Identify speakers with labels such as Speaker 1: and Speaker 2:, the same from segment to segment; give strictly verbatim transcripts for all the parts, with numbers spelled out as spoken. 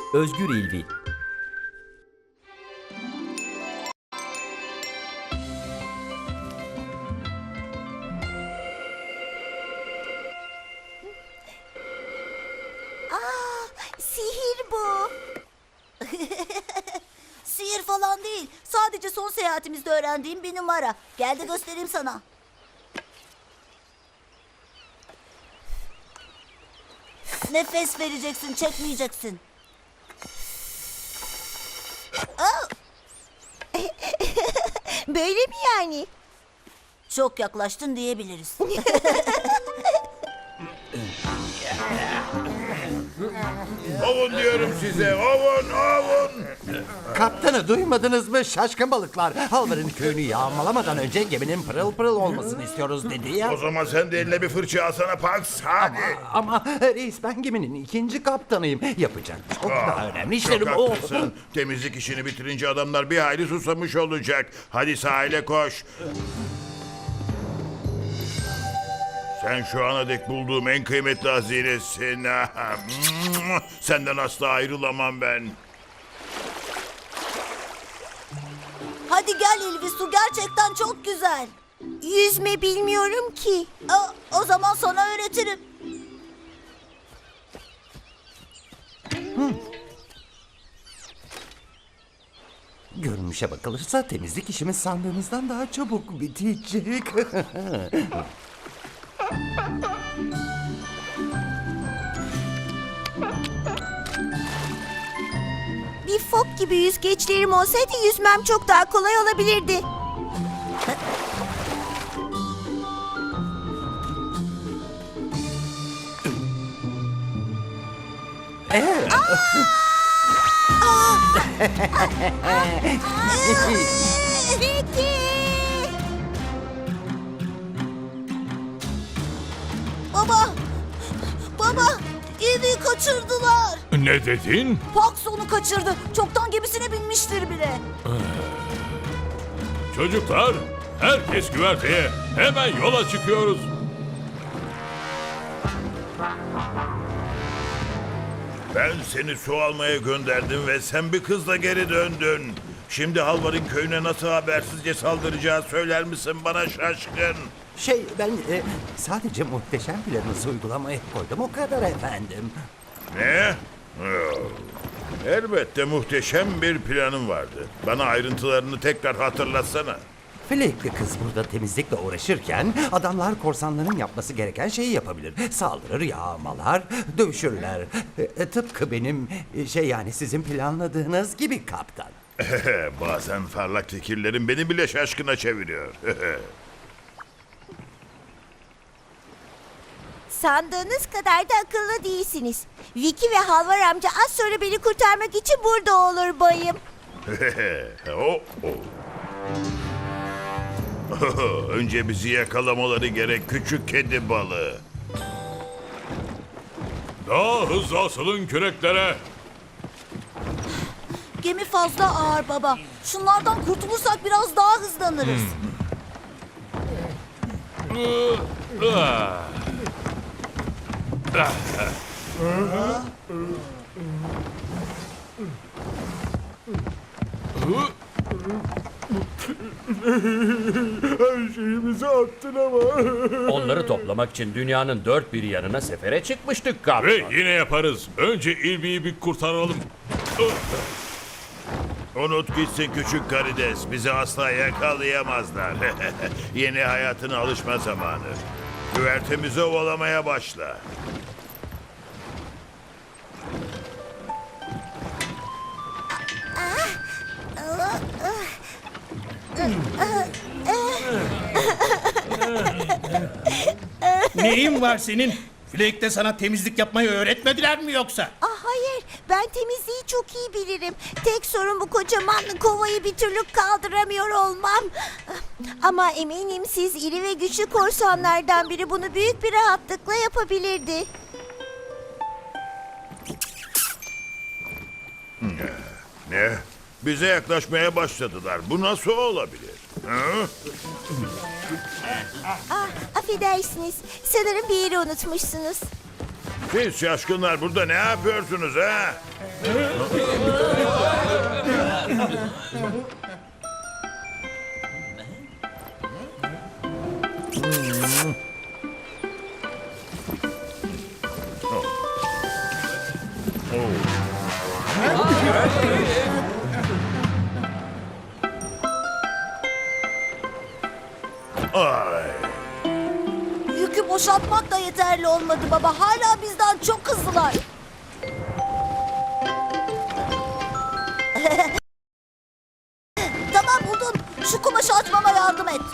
Speaker 1: Özgür İlvi.
Speaker 2: Sihir bu. Sihir falan değil. Sadece son seyahatimizde öğrendiğim bir numara. Gel de göstereyim sana. Nefes vereceksin, çekmeyeceksin.
Speaker 3: Böyle mi yani?
Speaker 2: Çok yaklaştın diyebiliriz.
Speaker 4: Ovun diyorum size, ovun, ovun.
Speaker 5: Kaptanı duymadınız mı şaşkın balıklar? Halvar'ın köyünü yağmalamadan önce geminin pırıl pırıl olmasını istiyoruz dedi ya.
Speaker 4: O zaman sen de eline bir fırça alsana Pax, hadi.
Speaker 5: Ama reis ben geminin ikinci kaptanıyım. Yapacak çok daha önemli işlerim.
Speaker 4: Çok
Speaker 5: Oh.
Speaker 4: haklısın. Temizlik işini bitirince adamlar bir hayli susamış olacak. Hadi sahile koş. Sen şu ana dek bulduğum en kıymetli hazinesin. Senden asla ayrılamam ben.
Speaker 2: Hadi gel İlvi, su gerçekten çok güzel.
Speaker 3: Yüzme bilmiyorum ki.
Speaker 2: Aa, o zaman sana öğretirim.
Speaker 5: Görünüşe bakılırsa temizlik işimiz sandığımızdan daha çabuk bitecek.
Speaker 3: Bir fok gibi yüzgeçlerim olsaydı yüzmem çok daha kolay olabilirdi. Peki.
Speaker 2: Baba! Baba! İlvi'yi kaçırdılar.
Speaker 6: Ne dedin?
Speaker 2: Pax onu kaçırdı. Çoktan gemisine binmiştir bile.
Speaker 6: Çocuklar, herkes güverteye. Hemen yola çıkıyoruz.
Speaker 4: Ben seni su almaya gönderdim ve sen bir kızla geri döndün. Şimdi Halvar'ın köyüne nasıl habersizce saldıracağı söyler misin bana şaşkın?
Speaker 5: Şey ben e, sadece muhteşem planınızı uygulamaya koydum o kadar efendim.
Speaker 4: Ne? Oh. Elbette muhteşem bir planım vardı. Bana ayrıntılarını tekrar hatırlatsana.
Speaker 5: Flekli kız burada temizlikle uğraşırken adamlar korsanların yapması gereken şeyi yapabilir. Saldırır, yağmalar, dövüşürler. E, e, tıpkı benim e, şey yani sizin planladığınız gibi kaptan.
Speaker 4: Bazen parlak fikirlerin beni bile şaşkına çeviriyor.
Speaker 3: Sandığınız kadar da akıllı değilsiniz. Vicky ve Halvar amca az sonra beni kurtarmak için burada olur bayım.
Speaker 4: oh, oh. Önce bizi yakalamaları gerek küçük kedi balığı.
Speaker 6: Daha hızlı asılın küreklere.
Speaker 2: Gemi fazla ağır baba. Şunlardan kurtulursak biraz daha hızlanırız.
Speaker 1: Onları toplamak için dünyanın dört bir yanına sefere çıkmıştık kaptan.
Speaker 6: Ve yine yaparız. Önce İlvi'yi bir kurtaralım.
Speaker 4: Unut gitsin küçük karides. Bizi asla yakalayamazlar. Yeni hayatına alışma zamanı. Güvertemizi ovalamaya başla.
Speaker 7: Neyin var senin? Flake'de sana temizlik yapmayı öğretmediler mi yoksa?
Speaker 3: Ah hayır, ben temizliği çok iyi bilirim. Tek sorun bu kocaman kovayı bir türlü kaldıramıyor olmam. Ama eminim siz iri ve güçlü korsanlardan biri bunu büyük bir rahatlıkla yapabilirdi.
Speaker 4: Ne? Bize yaklaşmaya başladılar. Bu nasıl olabilir? Hı?
Speaker 3: Ah, affedersiniz. Sanırım bir yeri unutmuşsunuz.
Speaker 4: Siz şaşkınlar burada ne yapıyorsunuz ha? Ay.
Speaker 2: Yükü boşaltmak da yeterli olmadı baba. Hala bizden çok hızlılar. Tamam buldum. Şu kumaşı açmama yardım et.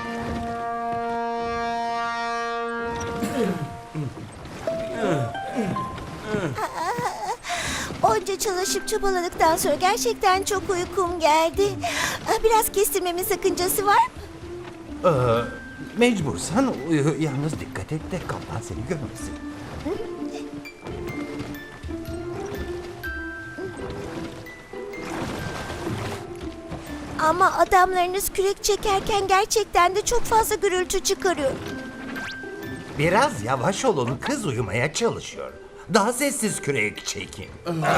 Speaker 3: Onca çalışıp çabaladıktan sonra gerçekten çok uykum geldi. Ah, Biraz kestirmemin sakıncası var mı?
Speaker 5: Ee, mecbursan uyu. Yalnız dikkat et de kaplan seni görmesin.
Speaker 3: Ama adamlarınız kürek çekerken gerçekten de çok fazla gürültü çıkarıyor.
Speaker 5: Biraz yavaş olun, kız uyumaya çalışıyor. Daha sessiz kürek çekin.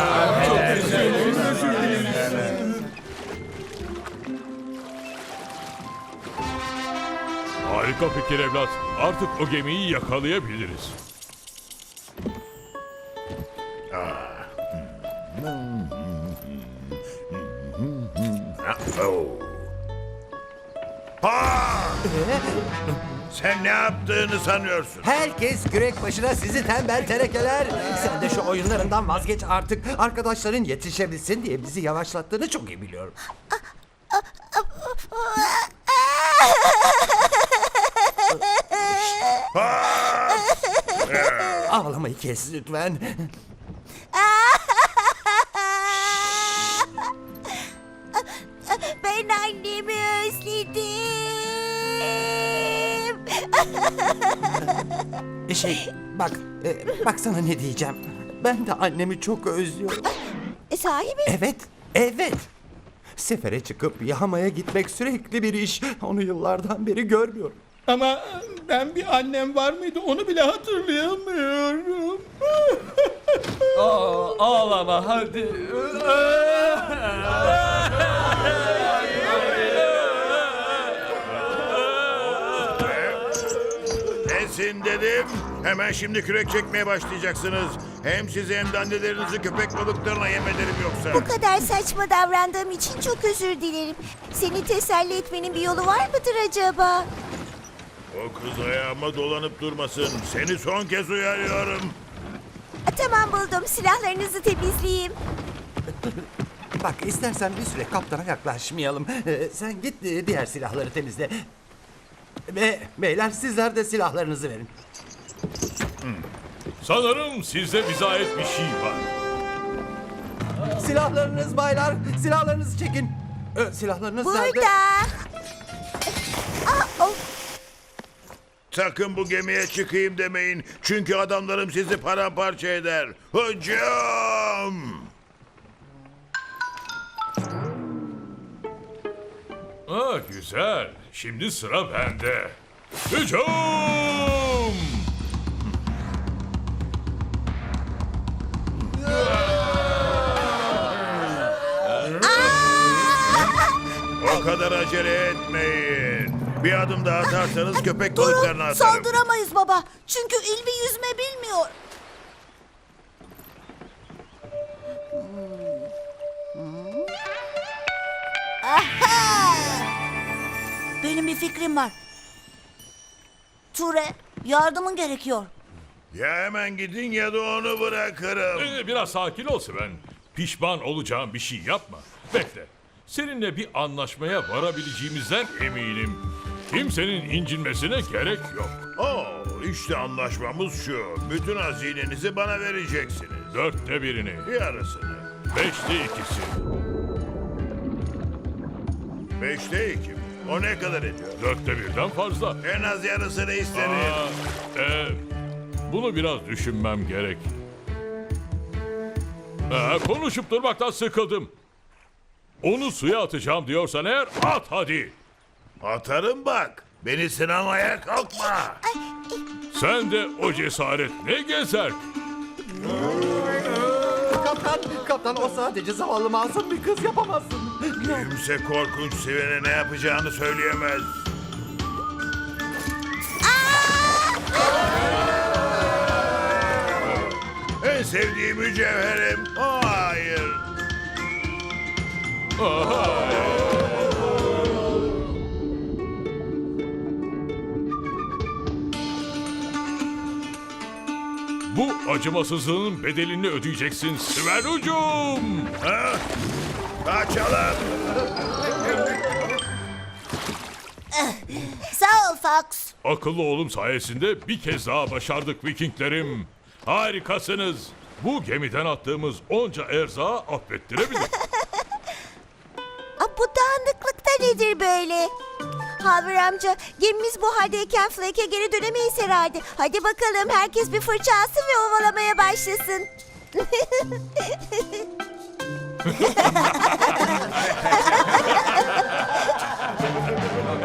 Speaker 6: Harika fikir evlat. Artık o gemiyi yakalayabiliriz.
Speaker 4: Oh. Ha! Sen ne yaptığını sanıyorsun?
Speaker 5: Herkes kürek başına, sizi tembel terekeler. Sen de şu oyunlarından vazgeç artık. Arkadaşların yetişebilsin diye bizi yavaşlattığını çok iyi biliyorum. Ağlamayı kes lütfen.
Speaker 3: Ben annemi özledim.
Speaker 5: Şey, bak, e, bak sana ne diyeceğim. Ben de annemi çok özlüyorum.
Speaker 3: E, sahi mi?
Speaker 5: Evet, evet. Sefere çıkıp yahamaya gitmek sürekli bir iş. Onu yıllardan beri görmüyorum.
Speaker 7: Ama ben bir annem var mıydı onu bile hatırlayamıyorum.
Speaker 1: Ağlama hadi.
Speaker 4: Kesin dedim. Hemen şimdi kürek çekmeye başlayacaksınız. Hem sizi hem de annelerinizi köpek balıklarına yem ederim yoksa.
Speaker 3: Bu kadar saçma davrandığım için çok özür dilerim. Seni teselli etmenin bir yolu var mıdır acaba?
Speaker 4: O kız ayağıma dolanıp durmasın. Seni son kez uyarıyorum.
Speaker 3: A, Tamam buldum. Silahlarınızı temizleyeyim.
Speaker 5: Bak, istersen bir süre kaptana yaklaşmayalım. Ee, sen git e, diğer silahları temizle. Ve beyler, sizler de silahlarınızı verin.
Speaker 6: Sanırım sizde bize ait bir şey var.
Speaker 5: Silahlarınız baylar, silahlarınızı çekin. Ee, silahlarınız nerede?
Speaker 3: Burada. Aa, oh.
Speaker 4: Sakın bu gemiye çıkayım demeyin. Çünkü adamlarım sizi paramparça eder. Hücum!
Speaker 6: Ha, güzel. Şimdi sıra bende. Hücum!
Speaker 4: O kadar acele etmeyin. Bir adım daha atarsanız köpek balıklarını
Speaker 2: Durun,
Speaker 4: atarım.
Speaker 2: saldıramayız baba. Çünkü İlvi yüzme bilmiyor. Aha! Benim bir fikrim var. Ture, yardımın gerekiyor.
Speaker 4: Ya hemen gidin ya da onu bırakırım.
Speaker 6: Ee, biraz sakin ol Sven. Pişman olacağım bir şey yapma. Bekle. Seninle bir anlaşmaya varabileceğimizden eminim. Kimsenin incinmesine gerek yok.
Speaker 4: Oo, işte anlaşmamız şu. Bütün hazinenizi bana vereceksiniz.
Speaker 6: Dörtte birini,
Speaker 4: Yarısını.
Speaker 6: beşte ikisi.
Speaker 4: Beşte iki. O ne kadar ediyor?
Speaker 6: Dörtte birden fazla.
Speaker 4: En az yarısını isterim.
Speaker 6: Aa, e, bunu biraz düşünmem gerek. Ee, konuşup durmaktan sıkıldım. Onu suya atacağım diyorsan eğer at hadi.
Speaker 4: Atarım bak. Beni sınamaya kalkma.
Speaker 6: Sen de o cesaret ne gezer?
Speaker 5: Kaptan, kaptan o sadece zavallı masum bir kız, yapamazsın.
Speaker 4: Kimse korkunç Sven'e ne yapacağını söyleyemez. En sevdiğim mücevherim. Oh, hayır.
Speaker 6: Bu acımasızlığın bedelini ödeyeceksin Sven ucum.
Speaker 4: Ha? Kaçalım.
Speaker 2: Sağ ol Fox.
Speaker 6: Akıllı oğlum sayesinde bir kez daha başardık Vikinglerim. Harikasınız. Bu gemiden attığımız onca erzağı affettirebilir.
Speaker 3: Aa, bu dağınıklık da nedir böyle? Haver amca, gemimiz bu haldeyken Flake'e geri dönemeyiz herhalde. Hadi bakalım, herkes bir fırça alsın ve ovalamaya başlasın.